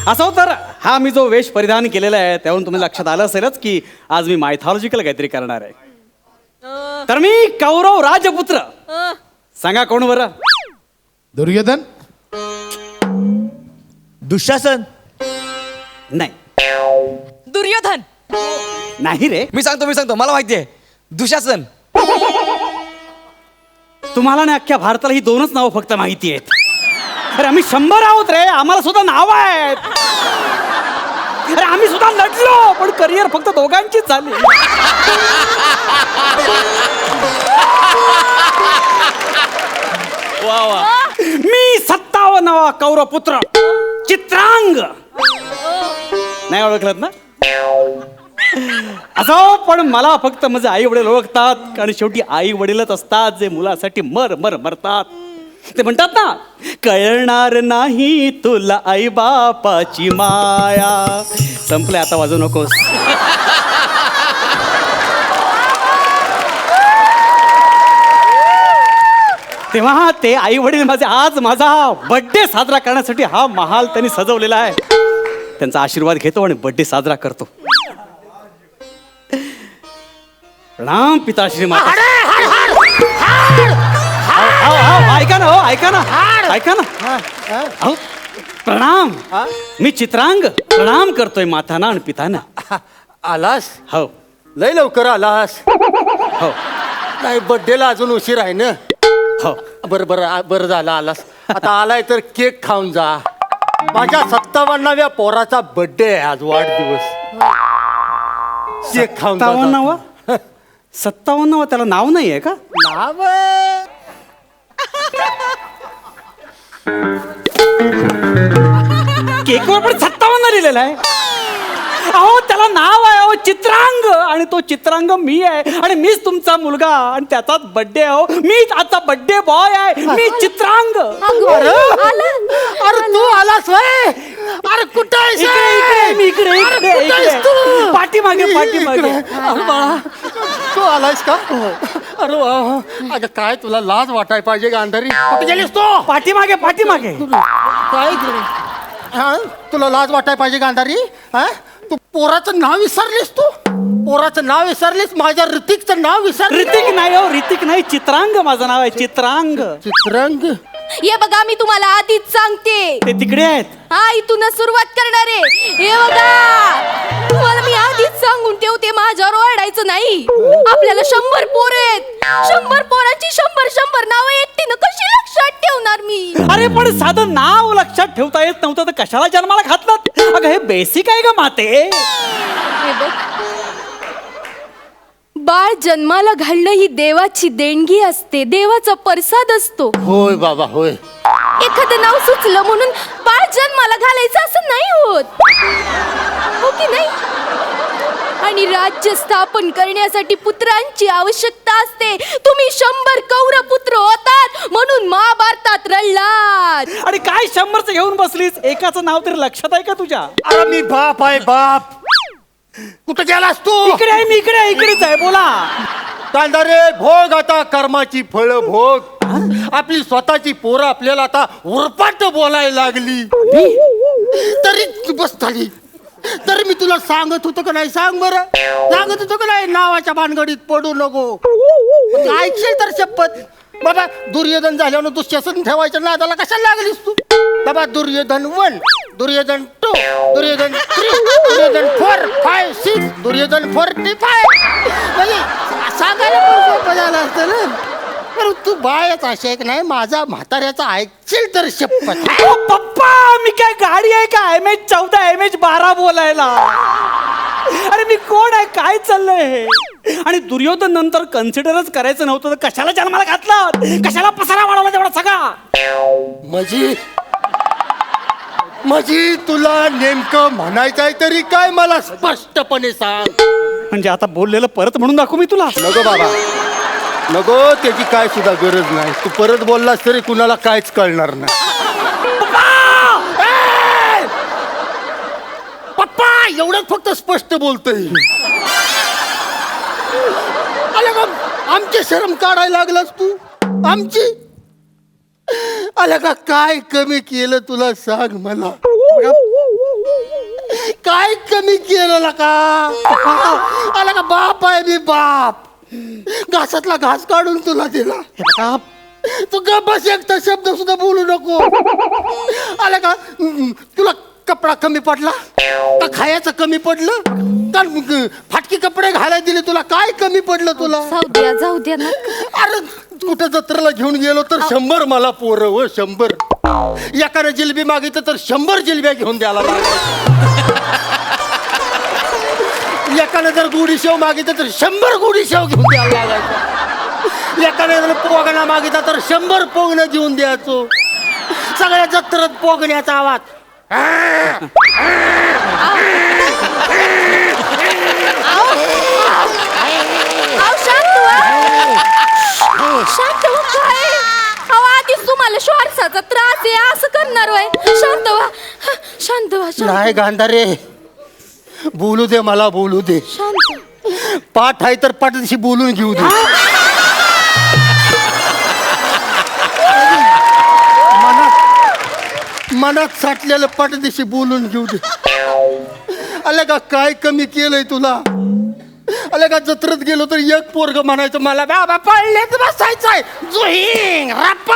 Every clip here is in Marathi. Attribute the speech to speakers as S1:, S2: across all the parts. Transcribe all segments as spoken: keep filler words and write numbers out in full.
S1: असं तर हा मी जो वेश परिधान केलेला आहे त्यावरून तुम्हाला लक्षात आलं असेलच की आज मी मायथॉलॉजिकल काहीतरी करणार आहे. तर मी कौरव राजपुत्र. सांगा कोण बरं?
S2: दुर्योधन.
S3: दुःशासन.
S1: नाही
S4: दुर्योधन.
S1: नाही रे.
S3: मी सांगतो मी सांगतो मला माहिती आहे. दुःशासन.
S1: तुम्हाला ना अख्ख्या भारताला ही दोनच नावं फक्त माहिती आहेत. अरे आम्ही शंभर आहोत रे, आम्हाला सुद्धा नाव आहेत. अरे आम्ही सुद्धा लढलो पण करिअर फक्त दोघांचीच झाली.
S3: वा वा.
S1: मी सत्तावन्नावा कौरव पुत्र चित्रांग. नाही ओळखलत ना? असो पण मला फक्त माझे आई वडील ओळखतात, कारण शेवटी आई वडीलच असतात जे मुलासाठी मर मर मरतात. ते म्हणतात ना, कळणार नाही तुला आई बापाची माया. संपले, आता वाजवू नकोस. तेव्हा ते आई वडील माझे आज माझा बर्थडे साजरा करण्यासाठी हा महाल त्यांनी सजवलेला आहे. त्यांचा आशीर्वाद घेतो आणि बर्थडे साजरा करतो. प्रणाम पिताश्री माता. अहो, अहो, ऐका ना, हो ऐका ना, ऐका ना. अहो, प्रणाम. मी चित्रांग प्रणाम करतोय माताना आणि पिताना.
S5: आलास?
S1: हो
S5: लय लवकर आलास.
S1: हो
S5: नाही, बर्थडेला अजून उशीर आहे ना.
S1: हो.
S5: बरं बरं आ- बरं झालं आलास. आता आलाय तर केक खाऊन जा. माझ्या सत्तावन्नाव्या पोराचा बर्थडे आहे आज, वाढदिवस. केक खाऊन जा.
S1: सत्तावन्नावा सत्तावन्नावा त्याला नाव नाही आहे का?
S5: नाव आहे.
S1: केकवर पण सत्तावन्न लिहिलेलं आहे. अहो त्याला नाव आहे अहो चित्रांग, आणि तो चित्रांग मी आहे आणि मीच तुमचा मुलगा आणि त्याचाच बर्थडे आहे. हो मीच आता बर्थडे बॉय आहे. मी चित्रांग.
S5: अरे तू आलास व्हय? अरे कुठं आहेस?
S1: इकडे इकडे मी इकडे
S5: अरे,
S1: इकडे
S5: कुठं आहेस
S1: इकडे
S5: तू?
S1: पाठीमागे पाठीमागे.
S5: अरे बाळा, तू आलायस का? अरे वा वा. अगं काय तुला लाज वाटाय पाहिजे गांधारी. कुठे गेलीस तू?
S1: पाठीमागे पाठीमागे.
S5: काय हा तुला लाज वाटाय पाहिजे गांधारी. हा तू पोराचं नाव विसरलीस. तू पोराचं नाव विसरलीस. माझ्या ऋतिकचं नाव विसरलीस.
S1: ऋतिक नाही हो, ऋतिक नाही, चित्रांग माझं नाव आहे. चित्रांग.
S5: चित्रंग.
S4: ये बघा मी तुम्हाला आधीच सांगते.
S1: ते तिकडे आहेत.
S4: हा इथूनच सुरुवात करणार आहे. हे बघा तुम्हाला मी आधीच सांगून ठेवते, माझ्यावर ओरडायचं नाही. आपल्याला शंभर पोरं आहेत. शंभर पोरांची शंभर शंभर नावं एकटीनं कशी लक्षात ठेवणार मी?
S1: अरे पण साधं नाव लक्षात ठेवता येत नव्हतं तर कशाला जन्माला घातलं? अगं हे बेसिक आहे का माते?
S4: हे बघ, बाळ जन्माला घालणं ही देवाची देणगी असते, देवाचा प्रसाद असतो.
S5: होय बाबा होय.
S4: एखादं नाव सुचलं म्हणून बाळ जन्माला घालायचं असं नाही होत, हो की नाही? आणि राज्य स्थापन करण्यासाठी पुत्रांची आवश्यकता असते. तुम्ही शंभर कौरव पुत्र होतात म्हणून महाभारतात रडलात.
S1: आणि काय शंभरचं घेऊन बसलीस? एकाचं नाव तरी लक्षात आहे का तुझ्या?
S5: अरे मी बाप आहे बाप. कुठं गेलास तू?
S1: इकडे आहे मी, इकडे आहे, इकडेच आहे. बोला.
S5: कांदारे भोग आता कर्माची फळ भोग. आपली स्वतःची पोरं आपल्याला आता उरपाट बोलायला लागली तरी तू बस झाली. तरी मी तुला सांगत होतो का नाही? सांग बरं. सांगत होतो का नाही नावाच्या भानगडीत पडू नको? ऐकशील तर शपथ. बाबा दुर्योधन झाल्यावर दुःशासन ठेवायचं नादाला कशाला लागलीस तू? बाबा Duryodhan one, Duryodhan two, Duryodhan three, Duryodhan four five six, Duryodhan forty five. म्हणजे सांगायला पण सोपं झालं असतं ना. अरे तू बायच अशी एक नाही, माझा म्हाताऱ्याचा ऐकशील तर शपथ.
S1: ओ पप्पा, मी काय गाडी आहे का? एम एच चौदा एम एच बारा बोलायला? अरे मी कोण आहे? काय चाललंय हे? आणि दुर्योधन नंतर कन्सिडरच करायचं नव्हतं तर कशाला जन्माला घातला? कशाला पसारा वाढवला तेवढा सगळा?
S5: माझी माझी तुला नेमकं म्हणायचंय तरी काय मला स्पष्टपणे सांग.
S1: म्हणजे आता बोललेलं परत म्हणून दाखवू मी तुला?
S5: नको बाबा नको, त्याची काय सुद्धा गरज नाही. तू परत बोललास तरी कुणाला काहीच कळणार नाही. पप्पा एवढंच फक्त स्पष्ट बोलतोय. आले का आमची शरम काढायला लागलास तू? आमची आलं का? काय कमी केलं तुला सांग मला? काय कमी केलं का आला का बाप आहे मी बाप घासातला घास काढून तुला दिला
S1: बघा,
S5: तू गप्प बस एकटा शब्द सुद्धा बोलू नको आला का तुला कपडा कमी पडला का खायचं कमी पडलं का फाटकी कपडे घालायला दिले तुला काय कमी पडलं तुला
S4: जाऊ द्या जाऊ द्या ना
S5: अरे कुठं जत्रेला घेऊन गेलो तर शंभर मला पोरं व शंभर एकाने जिलेबी मागितलं तर शंभर जिलेब्या घेऊन द्यायला लागल्या एकाने जर गुढी शेव मागितलं तर शंभर गुढी शेव घेऊन द्यायला लागायचं एकाने जर पोगणा मागितला तर शंभर पोगणं घेऊन द्यायचो सगळ्या जत्रेत पोगण्याचा आवाज
S4: अहो, शांत व्हा. शांत व्हा काय अहो आधीच तुम्हाला श्वासाचा त्रास आहे असं करणार वय शांत व्हा शांत व्हा शांत
S5: नाही गांधारे बोलू दे मला बोलू दे
S4: शांत
S5: पाठ आहे तर पाठीशी बोलून घेऊ दे मनात मनात साठलेलं पाठीशी बोलून घेऊ दे आले का काय कमी केलंय तुला आले का जत्रेत गेलो तर एक पोरग म्हणायचं मला बाबा पळलेच बसायचंय जुहिंग रप्पा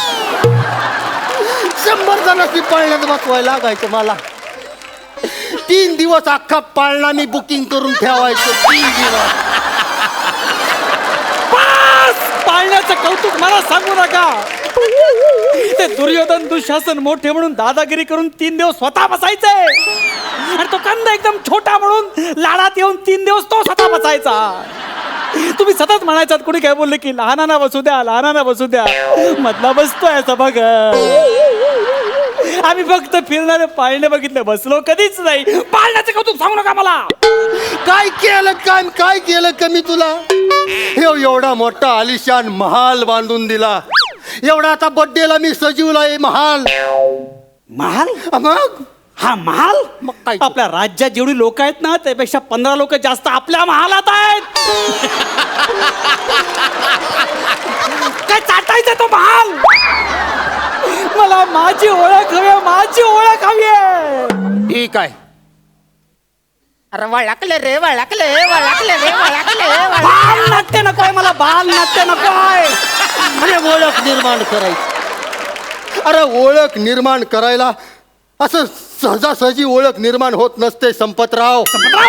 S5: शंभर जणांनी पळण्यात बसवायला लागायचं मला तीन दिवस अख्खा पाळणा मी बुकिंग करून ठेवायचो तीन दिवस
S1: बस! पाळण्याचं कौतुक मला सांगू नका ते दुर्योधन दुःशासन मोठे म्हणून दादागिरी करून तीन दिवस स्वतः बसायचे आणि तो कंद एकदम छोटा म्हणून लाडात येऊन तीन दिवस तो स्वतः बसायचा तुम्ही सतत म्हणायचात कोणी काय बोलले की लहानांना बसू द्या लहानांना बसू द्या मधला बसतोय असं बघ आम्ही फक्त फिरणारे पाळणे बघितले बसलो कधीच नाही पाळण्याचं कौतुक सांगू नका मला
S5: काय केलं काय काय केलं कमी तुला हे एवढा मोठा आलिशान महाल बांधून दिला एवढा आता बड्डेला मी सजीवला महाल
S1: महाल
S5: मग
S1: हा महाल
S5: मग काय?
S1: आपल्या राज्यात जेवढी लोक आहेत ना त्यापेक्षा पंधरा लोक जास्त आपल्या महालात आहेत काय चाटायचं तो महाल मला माझी ओळख हवी आहे, माझी ओळख हवी आहे.
S5: ठीक आहे अरे वळकले रे वळकले वळकले रे वळकले
S1: बाल नाट्य नकोय मला बाल नाट्य नकोय
S5: अरे ओळख निर्माण करायची अरे ओळख निर्माण करायला असं सहजासहजी ओळख निर्माण होत नसते संपतराव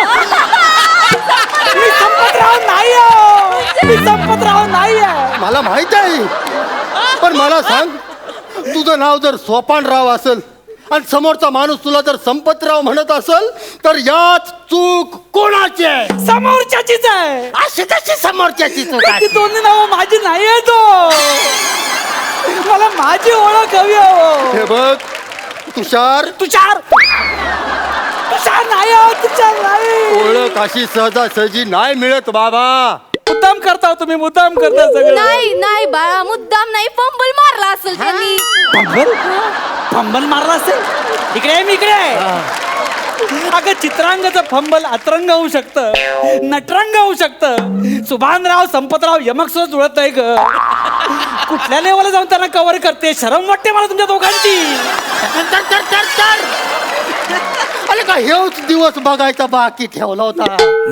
S1: मी संपतराव नाही आहे. मी संपतराव नाही आहे.
S5: मला माहित आहे पण मला सांग तुझं नाव जर सोपानराव असेल आणि समोरचा माणूस तुला जर संपतराव म्हणत असेल तर यात चूक कोणाची आहे
S1: समोरच्याचीच आहे
S5: अशी कशी समोरच्याची चूक
S1: ती
S5: आहे
S1: दोन्ही नावं माझी नाही आहे तो मला माझी ओळख हवी आहे.
S5: हे बघ तुषार
S1: तुषार तुषार नाही आहे, तुषार नाही
S5: ओळख अशी सहजासहजी नाही मिळत बाबा
S1: मुद्दाम करता तुम्ही मुद्दाम करता सगळं
S4: नाही नाही बाळा मुद्दाम नाही फंबल मारला असेल त्यांनी
S1: फंबल फंबल मारला असेल इकडे आहे, मी इकडे आहे. अगं चित्रांगाचं फंबल अतरंग होऊ शकतं नटरंग होऊ शकतं सुभानराव संपतराव यमक सुद्धा जुळत नाही ग कुठल्या लेवलला जाऊन त्यांना कव्हर करते शरम वाटते मला तुमच्या दोघांची
S5: तर, तर, तर, तर. अरे का हेच दिवस बघायचा बाकी ठेवला होता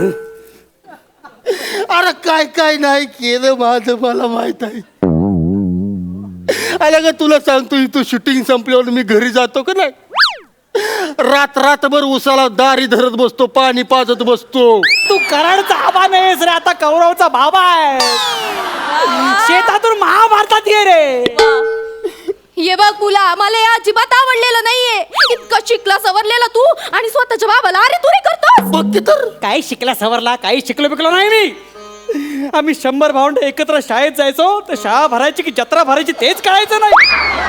S5: अरे काय काय नाही केलं माझं मला माहित आहे अरे का तुला सांगतो इथं शूटिंग संपल्यावर मी घरी जातो का नाही रात रातभर उसाला दारी धरत बसतो पाणी पाजत बसतो
S1: तू कराडचा आबा नाहीस रे आता कौरवचा बाबा आहे शेतातून महाभारतात ये रे
S4: ये बघ तुला मला हे अजिबात आवडलेलं नाहीये इतकं शिकला सवरलेला तू आणि स्वतःच्या बाबाला अरे तुरे करतोस
S5: बघ की तर
S1: काही शिकला सवरला काही शिकलो बिकलो नाही मी आम्ही शंभर भावंड एकत्र शाळेत जायचो तर शाळा भरायची की जत्रा भरायची तेच कळायचं नाही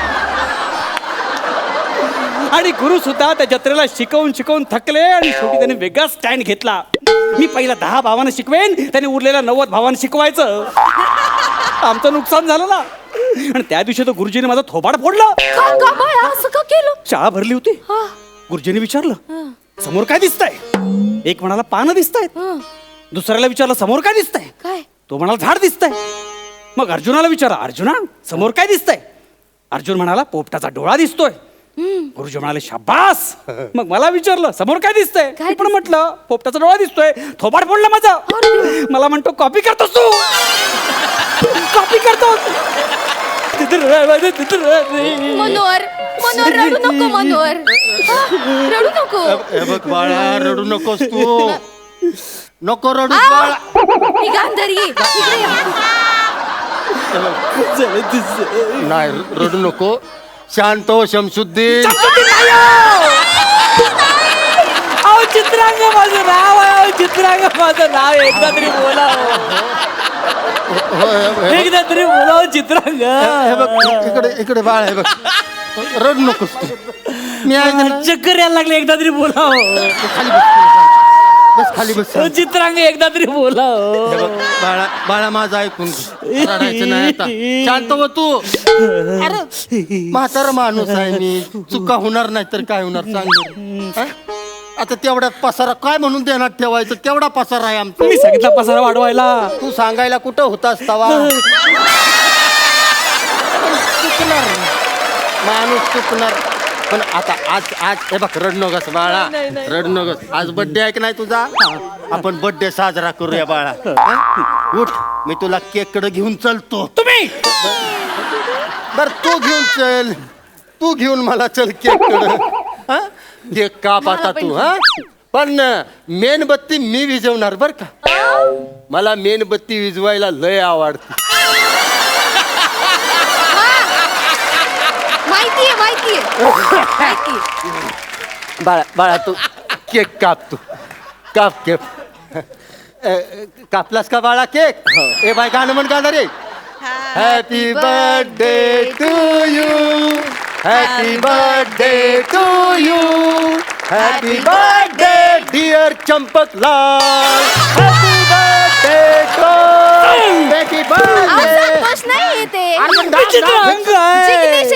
S1: आणि गुरु सुद्धा त्या जत्रेला शिकवून शिकवून थकले आणि शेवटी त्यांनी वेगळा स्टँड घेतला मी पहिला दहा भावांना शिकवेन त्यांनी उरलेल्या नव्वद भावांना शिकवायचं आमचं नुकसान झालं ना आणि त्या दिवशी तो गुरुजीने माझा थोबाड फोडला
S4: का का बाळा असं का केलं
S1: शाळा भरली होती
S4: हा,
S1: गुरुजीने विचारलं
S4: हा,
S1: समोर काय दिसतंय एक म्हणाला पानं दिसतायत
S4: हा.
S1: दुसऱ्याला विचारलं समोर काय दिसतंय
S4: काय
S1: तो म्हणाला झाड दिसतंय मग अर्जुनाला विचारा अर्जुना समोर काय दिसतंय अर्जुन म्हणाला पोपटाचा डोळा दिसतोय गुरुजी म्हणाले शाबास. मग मला विचारलं समोर काय दिसतंय
S4: काय
S1: मी पण म्हटलं पोपटाचा डोळा दिसतोय थोबाड फोडला माझा. मला म्हणतो कॉपी करतोस तू कॉपी करतोस.
S4: मनोहर मनोहर रडू नको मनोहर हा, रडू नको
S5: हे बघ बाळा रडू नकोस तू नको रडू
S4: आ!
S5: बाळा.
S4: ही गांधारी इकडे या.
S5: नाही रडू नको शांत हो शमशुद्दीन.
S1: अहो चित्रांग माझं नाव आहे अहो, चित्रांग माझं नाव आहे. एकदा तरी बोला एकदा तरी बोला चित्रांग.
S5: हे बघ इकडे इकडे बाळ आहे बघ रडू नकोस तू. मी आहे ना.
S1: चक्कर यायला लागले एकदा तरी बोला
S5: खाली बस बस खाली बस.
S1: चित्रांग एकदा तरी बोला
S5: हे बघ बाळा बाळा माझं ऐकून घे. रडायचं नाही आता शांत हो तू. अरे म्हातारा माणूस आहे मी चुका होणार नाही तर काय होणार सांग बरं. हा? आता तेवढ्यात पसारा काय म्हणून देण्यात ठेवायचं तेवढा पसारा आहे आमचा.
S1: मी सांगितलं पसारा वाढवायला.
S5: तू सांगायला कुठं होतास तवा. चुकणार माणूस चुकणार पण आता आज आज हे बघ रड नकोस बाळा रड नकोस. आज बर्थडे आहे की नाही तुझा आपण बर्थडे साजरा करूया बाळा. हा? उठ मी तुला केक कडे घेऊन चलतो.
S1: तुम्ही
S5: बर तू घेऊन चल तू घेऊन मला चल केक कडे. केक काप आता तू हा पण मेणबत्ती मी विझवणार बर का. मला मेणबत्ती विझवायला लय आवडते.
S4: माहितीये माहितीये माहितीये.
S5: बाळा बाळा तू केक काप तू काप केक. अ, कापलास का बाळा केक. ए बाय गाणं म्हण गाणं रे. Happy birthday to you happy birthday to you happy birthday dear Champaklal happy birthday to happy
S4: अहो,
S5: बर्थडे.
S4: संतोष नाही येते
S1: चित्रांग आहे.
S4: जिग्नेश